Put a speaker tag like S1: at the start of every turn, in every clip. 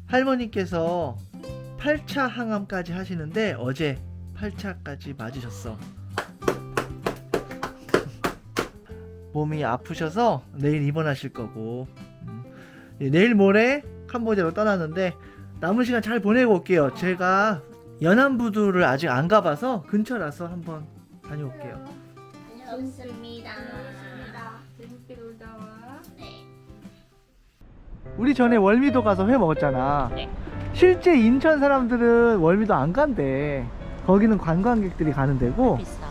S1: 할머니께서 8차 항암까지 하시는데 어제 8차까지 맞으셨어. 몸이 아프셔서 내일 입원하실 거고, 내일 모레 캄보디아로 떠나는데 남은 시간 잘 보내고 올게요. 제가 연안부두를 아직 안 가봐서 근처라서 한번 다녀올게요.
S2: 좋습니다.
S3: 재밌게 놀다 와.
S2: 네.
S1: 우리 전에 월미도 가서 회 먹었잖아.
S2: 네.
S1: 실제 인천 사람들은 월미도 안 간대. 거기는 관광객들이 가는 데고,
S2: 비싸.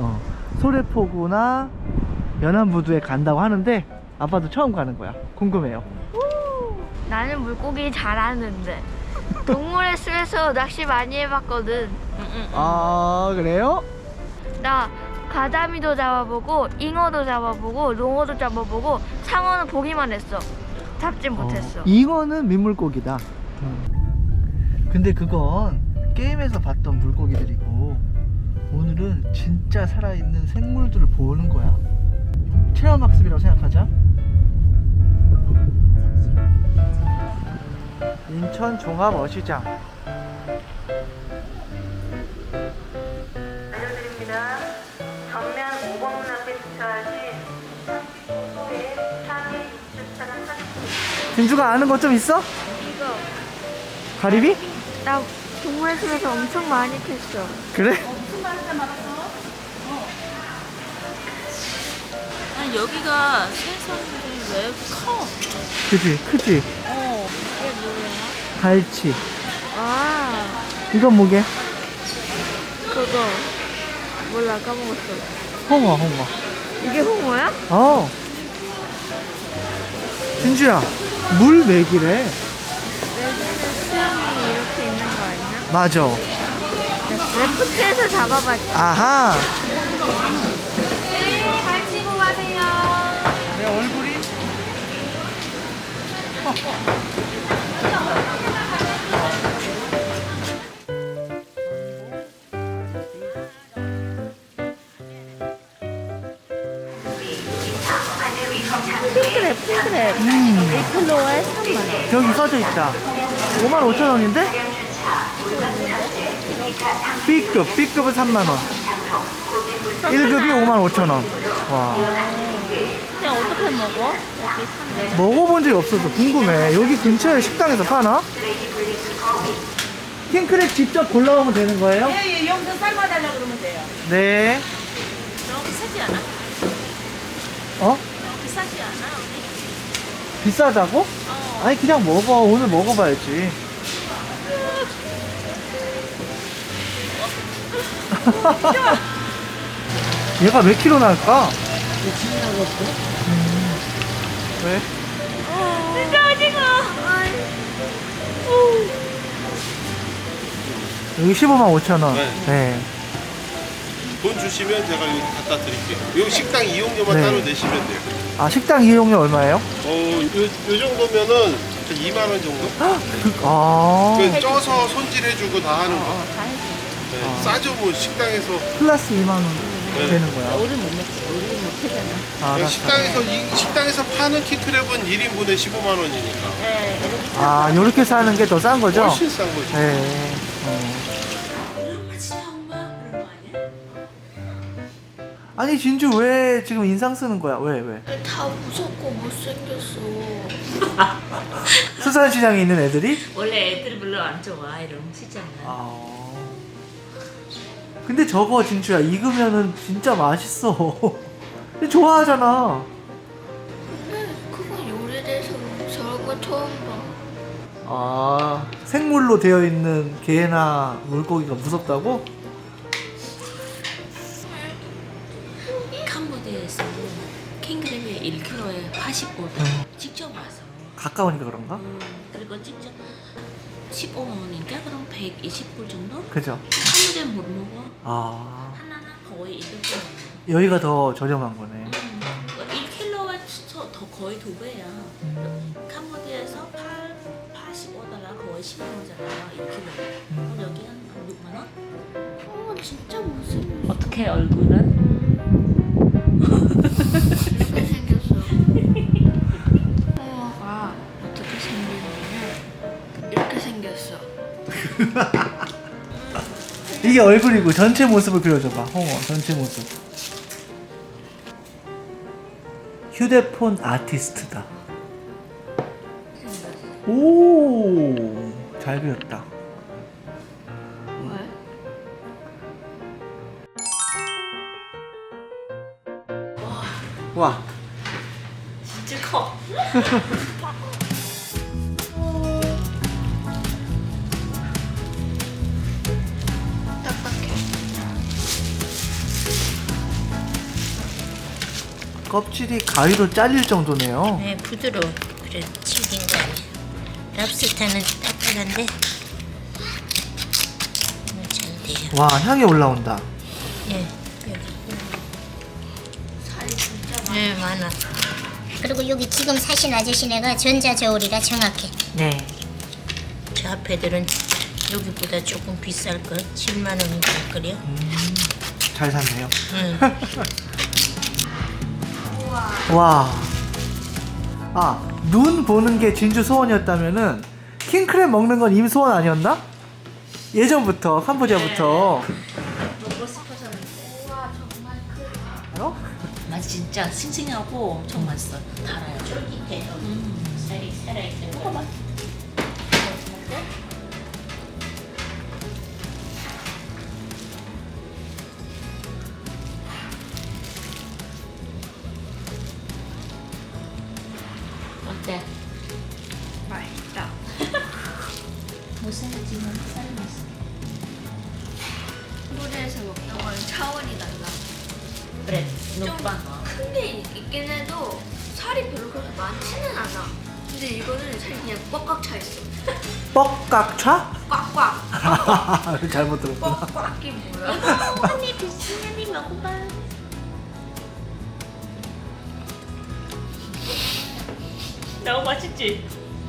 S1: 소래포구나 연안부두에 간다고 하는데 아빠도 처음 가는 거야. 궁금해요.
S4: 나는 물고기 잘하는데 동물의 숲에서 낚시 많이 해봤거든.
S1: 아, 그래요?
S4: 나 가자미도 잡아보고 잉어도 잡아보고 농어도 잡아보고 상어는 보기만 했어. 잡진 못했어.
S1: 잉어는 민물고기다. 근데 그건 게임에서 봤던 물고기들이고, 오늘은 진짜 살아있는 생물들을 보는 거야. 체험학습이라고 생각하자. 인천 종합어시장.
S5: 알려드립니다. 전면 5번 문 앞에 주차하신 35소의 상해 입주차는 사진.
S1: 진주가 아는 것 좀 있어?
S4: 이거
S1: 가리비?
S4: 나 동물의 숲에서 엄청 많이 캤어.
S1: 그래?
S2: 아니 여기가 생선들이 왜 커?
S1: 그치, 크지?
S2: 이게 뭐야?
S1: 갈치.
S4: 아
S1: 이건 뭐게?
S4: 그거 몰라 까먹었어.
S1: 홍어, 홍어.
S4: 이게 홍어야?
S1: 어. 진주야, 물 맥이래.
S4: 여기는 수영이 이렇게 있는 거 아니야?
S1: 맞아.
S4: 레프트에서 잡아봤지.
S1: 아하.
S4: 잘 치고 가세요.
S1: 내 얼굴이?
S4: 핑크랩 핑크랩 1kg에 3만원.
S1: 여기 써져 있다. 55,000원인데? B급은 3만원. 1급이 55,000원. 와.
S2: 그냥 어떻게 먹어? 여기 산대.
S1: 먹어본 적이 없어서 궁금해. 여기 근처에 식당에서 파나? 킹크랩 직접 골라오면 되는 거예요?
S5: 예, 여기서 삶아달라고 그러면 돼요.
S1: 네.
S2: 너무 비싸지 않아?
S1: 어?
S2: 비싸지 않아? 여기?
S1: 비싸다고? 아니 그냥 먹어. 오늘 먹어봐야지. 얘가 몇 킬로 나올까? 왜?
S4: 진짜 오징어.
S1: 여기 155,000원. 네.
S6: 돈 주시면 제가 여기 갖다 드릴게요. 여기 식당 이용료만
S1: 네.
S6: 따로 내시면 돼요.
S1: 아, 식당 이용료 얼마예요?
S6: 요 정도면은 한 2만 원 정도?
S1: 아,
S6: 그 쪄서 손질해주고 다 하는 거.
S2: 다 해줘.
S6: 네. 싸죠, 뭐 식당에서.
S1: 플러스 2만 원
S6: 네.
S1: 되는 거야.
S2: 우리 못 먹지. 우리 못 하잖아.
S1: 아, 알았어.
S6: 식당에서 파는 킹크랩은 1인분에 15만 원이니까.
S2: 네, 이렇게
S1: 아, 요렇게 사는 게 더 싼 거죠?
S6: 훨씬 싼 거죠.
S1: 네. 아니, 진주 왜 지금 인상 쓰는 거야? 왜?
S4: 다 무섭고 못생겼어.
S1: 수산시장에 있는 애들이?
S2: 원래 애들이 별로 안 좋아 이런 시장은.
S1: 아. 근데 저거 진주야, 익으면은 진짜 맛있어. 근데 좋아하잖아.
S4: 근데 그건 요리돼서 저런 거 처음 봐.
S1: 아, 생물로 되어 있는 게나 물고기가 무섭다고?
S7: 캄보디아에서 킹크랩이 1kg에 85원 직접 와서
S1: 가까우니까 그런가?
S7: 그리고 직접 15만 원인가? 그럼 120불 정도?
S1: 그죠?
S7: 캄보디아 못 먹어
S1: 아,
S7: 하나는 거의 200불
S1: 여기가 더 저렴한 거네.
S7: 1kg에 더 거의 2배야 캄보디아에서 85달러 거의 10만원잖아 1kg 그럼 여기 한 6만원?
S4: 어 진짜 못생겼어.
S2: 어떻게 얼굴은?
S4: 이렇게 생겼어. 홍어가 어떻게 생기냐면 이렇게
S1: 이게 얼굴이고 전체 모습을 그려줘봐. 홍어 전체 모습. 휴대폰 아티스트다. 오, 잘 그렸다. 와,
S7: 진짜 커.
S1: 껍질이 가위로 잘릴 정도네요.
S7: 네, 부드러워. 그래, 튀긴 거 아니야. 랍스타는 딱딱한데 잘 돼요.
S1: 와, 향이 올라온다.
S7: 예, 여기. 살이 진짜 많아. 네, 많아.
S8: 그리고 여기 지금 사신 아저씨네가 전자저울이라 정확해.
S7: 네. 저 앞에들은 여기보다 조금 비쌀 걸. 7만 원인가 할 거요.
S1: 잘 샀네요.
S7: 응.
S1: 와. 아, 눈 보는 게 진주 소원이었다면은 킹크랩 먹는 건 임소원 아니었나? 예전부터 캄보디아부터.
S7: 먹고 싶어졌는데.
S1: 어?
S7: 맛 진짜 싱싱하고 엄청 맛있어. 달아요. 쫄깃해요. 살이 살아있어요. 먹어봐. 어때?
S4: 맛있다.
S7: 무살지만 쌀 맛있어.
S4: 캄보디아에서 먹던 거는 차원이 달라.
S7: 그래, 녹방.
S4: 큰 게 있긴 해도 살이 별로 그렇게 많지는 않아. 근데 이거는 살이 그냥 꽉꽉 차 있어.
S1: 뻑깍차?
S4: 꽉꽉.
S1: 잘못 들었구나.
S4: 꽉꽉이 뭐야?
S7: 언니 비스냐니 먹어봐. 너무 맛있지?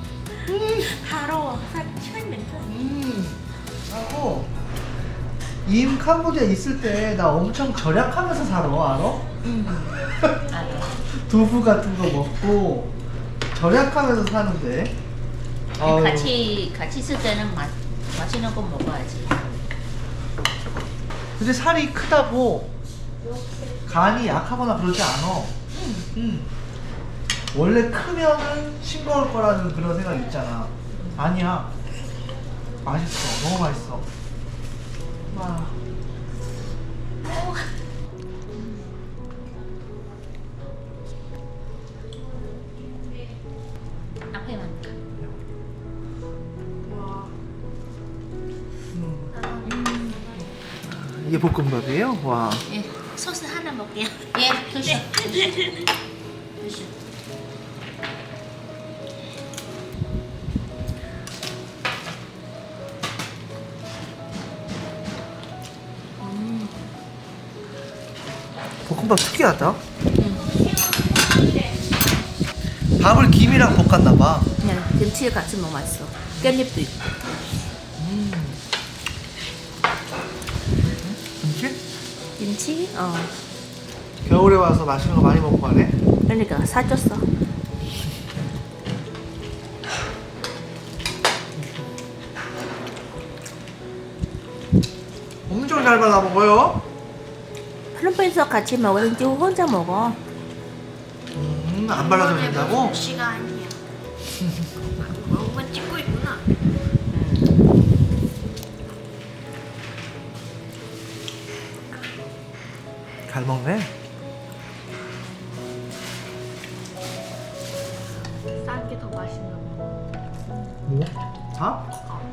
S7: 하루 처음부터.
S1: 하고 임 캄보디아 있을 때 나 엄청 절약하면서 살아, 알아?
S7: 알아.
S1: 두부 같은 거 먹고 절약하면서 사는데. 아유.
S7: 같이 있을 때는 맛있는 거 먹어야지.
S1: 근데 살이 크다고 간이 약하거나 그러지 않아. 원래 크면은 싱거울 거라는 그런 생각 있잖아. 아니야. 맛있어. 너무 맛있어. 와.
S7: 앞에만.
S1: 이게 볶음밥이에요? 와.
S7: 예, 소스 하나 먹게요. 예, 드셔. 드셔.
S1: 볶음밥 특이하다. 밥을 김이랑 볶았나봐.
S2: 네, 김치에 같이 먹으면 맛있어. 깻잎도 있고.
S1: 김치?
S2: 김치?
S1: 겨울에 와서 맛있는 거 많이 먹고 가네.
S2: 그러니까 사줬어.
S1: 엄청 잘 발라 먹어요.
S2: 필리핀에서 같이 먹었는지 혼자 먹어.
S1: 안 발라도 된다고?
S4: 시가 아니야. 뭔가 찍고 있구나.
S1: 잘 먹네.
S4: 싼 게 더 맛있는 거.
S1: 뭐? 다?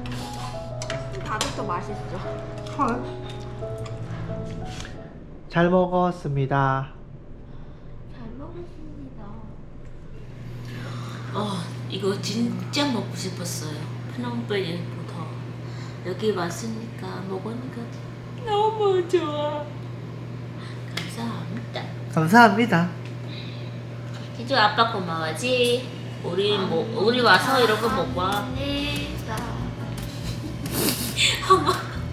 S4: 다들 더 맛있어.
S1: 헐. 잘 먹었습니다.
S4: 잘 먹었습니다.
S7: 이거 진짜 먹고 싶었어요. 프놈페이부터 여기 왔으니까 먹으니까 너무 좋아. 감사합니다.
S1: 감사합니다.
S7: 진주 아빠 고마워지. 우리 와서 이런 거 먹고 와. 어머.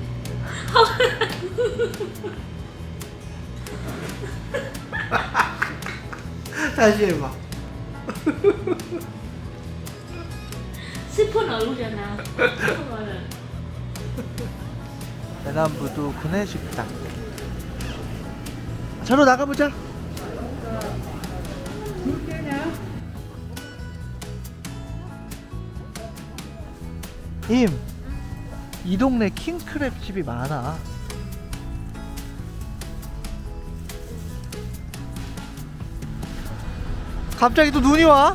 S1: 다시 해봐.
S7: 슬픈 얼굴이잖아. 슬픈 얼굴.
S1: 연안부두 구내식당. 저로 나가보자. 이 동네 킹크랩 집이 많아. 갑자기 또 눈이 와?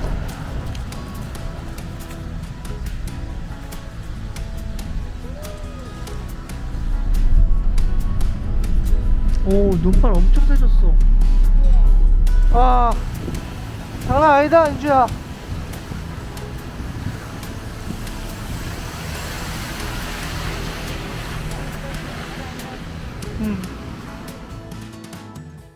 S1: 오, 눈발 엄청 세졌어. 와, 장난 아니다, 인주야.